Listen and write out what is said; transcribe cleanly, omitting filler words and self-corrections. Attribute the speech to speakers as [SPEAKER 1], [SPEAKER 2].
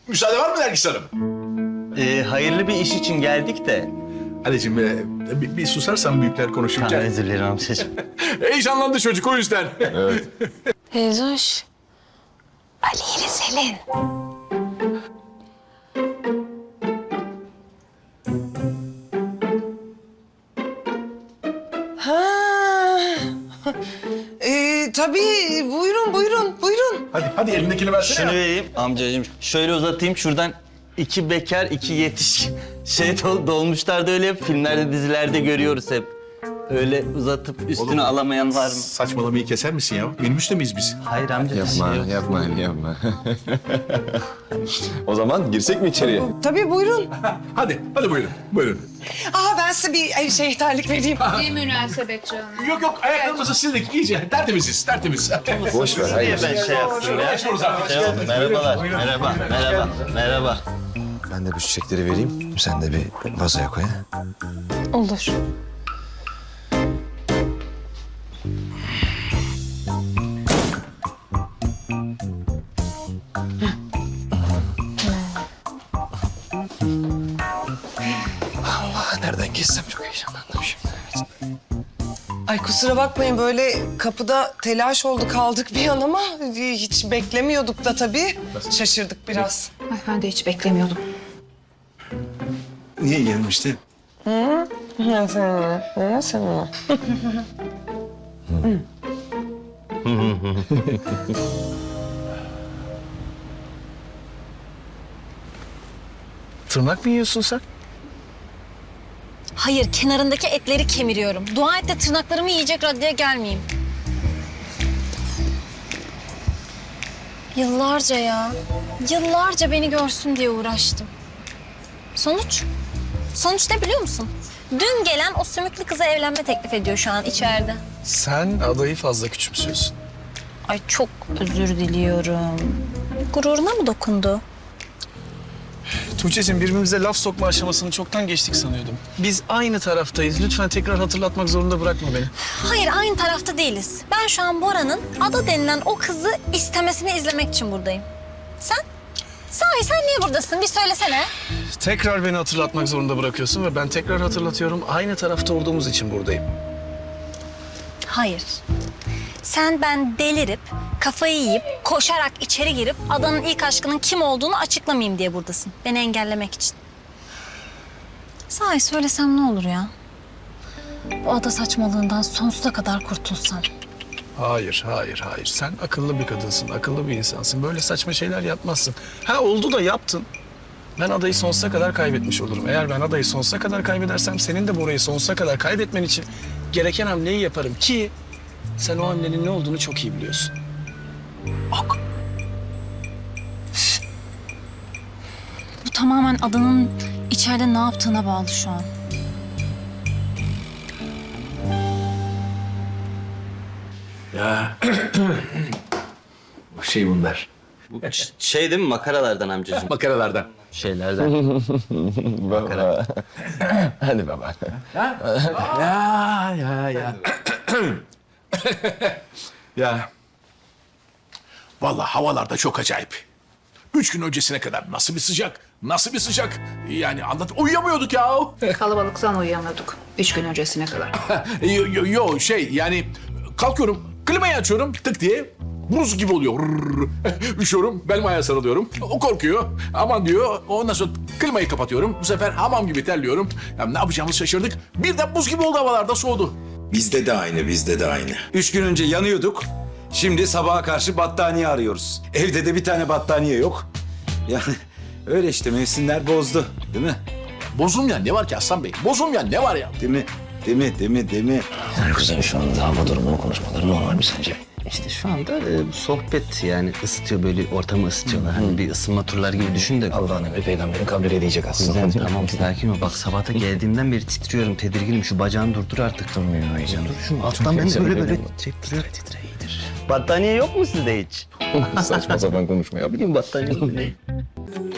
[SPEAKER 1] Müsaade var mı Nergis Hanım?
[SPEAKER 2] Hayırlı bir iş için geldik de.
[SPEAKER 1] Anneciğim bir susarsan büyükler konuşurken.
[SPEAKER 2] Özür dilerim amcacığım.
[SPEAKER 1] Heyecanlandı çocuk o yüzden.
[SPEAKER 3] Teyzoş. Ali ile Selin.
[SPEAKER 4] Tabii buyurun.
[SPEAKER 1] Hadi elindekini versene.
[SPEAKER 2] Şunu vereyim amcacığım. Şöyle uzatayım şuradan. İki bekar, iki yetişkin. Dolmuşlarda öyle hep filmlerde, dizilerde görüyoruz hep. Öyle uzatıp üstüne alamayan var mı?
[SPEAKER 1] Saçmalamayı keser misin ya? Minibüste miyiz biz?
[SPEAKER 2] Hayır amca.
[SPEAKER 5] Yapma. O zaman girsek mi içeriye?
[SPEAKER 4] Tabii buyurun.
[SPEAKER 1] Hadi buyurun.
[SPEAKER 4] Ben size bir ihtarlık vereyim.
[SPEAKER 6] Ne münasebet canım.
[SPEAKER 1] Yok ayaklarımızı sildik iyice. Tertemiz.
[SPEAKER 5] Boş ver, hayır.
[SPEAKER 2] Ben şey yaptım ya.
[SPEAKER 1] Geçmiyoruz artık.
[SPEAKER 2] Merhabalar. Merhaba.
[SPEAKER 5] Ben de bu çiçekleri vereyim. Sen de bir vazoya koy. Ha?
[SPEAKER 3] Olur.
[SPEAKER 5] Nereden geçsem çok heyecanlandım şimdi.
[SPEAKER 4] Ay kusura bakmayın böyle kapıda telaş oldu kaldık bir an ama hiç beklemiyorduk da tabii. Şaşırdık biraz.
[SPEAKER 6] Ay ben de hiç beklemiyordum.
[SPEAKER 5] Niye gelmişti?
[SPEAKER 7] Tırnak mı yiyorsun sen?
[SPEAKER 3] Hayır, kenarındaki etleri kemiriyorum. Dua et de tırnaklarımı yiyecek raddeye gelmeyeyim. Yıllarca ya. Yıllarca beni görsün diye uğraştım. Sonuç? Sonuç ne biliyor musun? Dün gelen o sümüklü kıza evlenme teklif ediyor şu an içeride.
[SPEAKER 7] Sen adayı fazla küçümsüyorsun.
[SPEAKER 3] Ay çok özür diliyorum. Gururuna mı dokundu?
[SPEAKER 7] Tuğçe'cim birbirimize laf sokma aşamasını çoktan geçtik sanıyordum. Biz aynı taraftayız. Lütfen tekrar hatırlatmak zorunda bırakma beni.
[SPEAKER 3] Hayır, aynı tarafta değiliz. Ben şu an Bora'nın Ada denilen o kızı istemesini izlemek için buradayım. Sen? Sahi sen niye buradasın? Bir söylesene.
[SPEAKER 7] Tekrar beni hatırlatmak zorunda bırakıyorsun ve ben tekrar hatırlatıyorum. Aynı tarafta olduğumuz için buradayım.
[SPEAKER 3] Hayır. Sen ben delirip, kafayı yiyip, koşarak içeri girip Ada'nın ilk aşkının kim olduğunu açıklamayayım diye buradasın. Beni engellemek için. Sahi söylesem ne olur ya? Bu Ada saçmalığından sonsuza kadar kurtulsam.
[SPEAKER 7] Hayır. Sen akıllı bir kadınsın, akıllı bir insansın. Böyle saçma şeyler yapmazsın. Ha oldu da yaptın. Ben adayı sonsuza kadar kaybetmiş olurum. Eğer ben adayı sonsuza kadar kaybedersem senin de Bora'yı sonsuza kadar kaybetmen için gereken hamleyi yaparım ki sen o hamlenin ne olduğunu çok iyi biliyorsun.
[SPEAKER 3] Bu tamamen Ada'nın içeride ne yaptığına bağlı şu an.
[SPEAKER 1] Ya. Bunlar.
[SPEAKER 2] Şey değil mi makaralardan amcacığım?
[SPEAKER 1] Makaralardan.
[SPEAKER 2] Şeylerden.
[SPEAKER 5] Baba. Hadi baba.
[SPEAKER 1] Ya. Ya. Vallahi havalar da çok acayip. 3 gün öncesine kadar nasıl bir sıcak. Yani anlat, uyuyamıyorduk ya.
[SPEAKER 6] Kalabalıktan uyuyamıyorduk 3 gün öncesine kadar.
[SPEAKER 1] Yani kalkıyorum, klimayı açıyorum tık diye. Buz gibi oluyor. Üşüyorum, belim ayağa sarılıyorum. O korkuyor. Aman diyor. Ondan sonra klimayı kapatıyorum. Bu sefer hamam gibi terliyorum. Ya ne yapacağımızı şaşırdık. Birden buz gibi oldu havalarda, soğudu.
[SPEAKER 8] Bizde de aynı. 3 gün önce yanıyorduk. Şimdi sabaha karşı battaniye arıyoruz. Evde de bir tane battaniye yok. Yani öyle işte mevsimler bozdu. Değil mi?
[SPEAKER 1] Bozulmayan ne var ki Aslan Bey? Bozulmayan ne var ya?
[SPEAKER 8] Değil mi?
[SPEAKER 5] Yani kızım şu anda hava durumunu konuşmaları normal mi sence?
[SPEAKER 2] İşte şu anda sohbet yani ısıtıyor böyle ortamı ısıtıyorlar. Hani bir ısınma turları gibi düşün de.
[SPEAKER 5] Allah'ın emri peygamberin kabul edecek aslında.
[SPEAKER 2] Güzel, tamam sakin ol. Bak sabahta geldiğimden beri titriyorum, tedirginim. Şu bacağını durdur artık.
[SPEAKER 5] Durmuyor heyecan.
[SPEAKER 2] Dur şu alttan beni böyle titriyor. Battaniye yok mu sizde hiç?
[SPEAKER 5] Saçma sapan konuşma ya.
[SPEAKER 2] Bilmiyorum battaniye yok mu?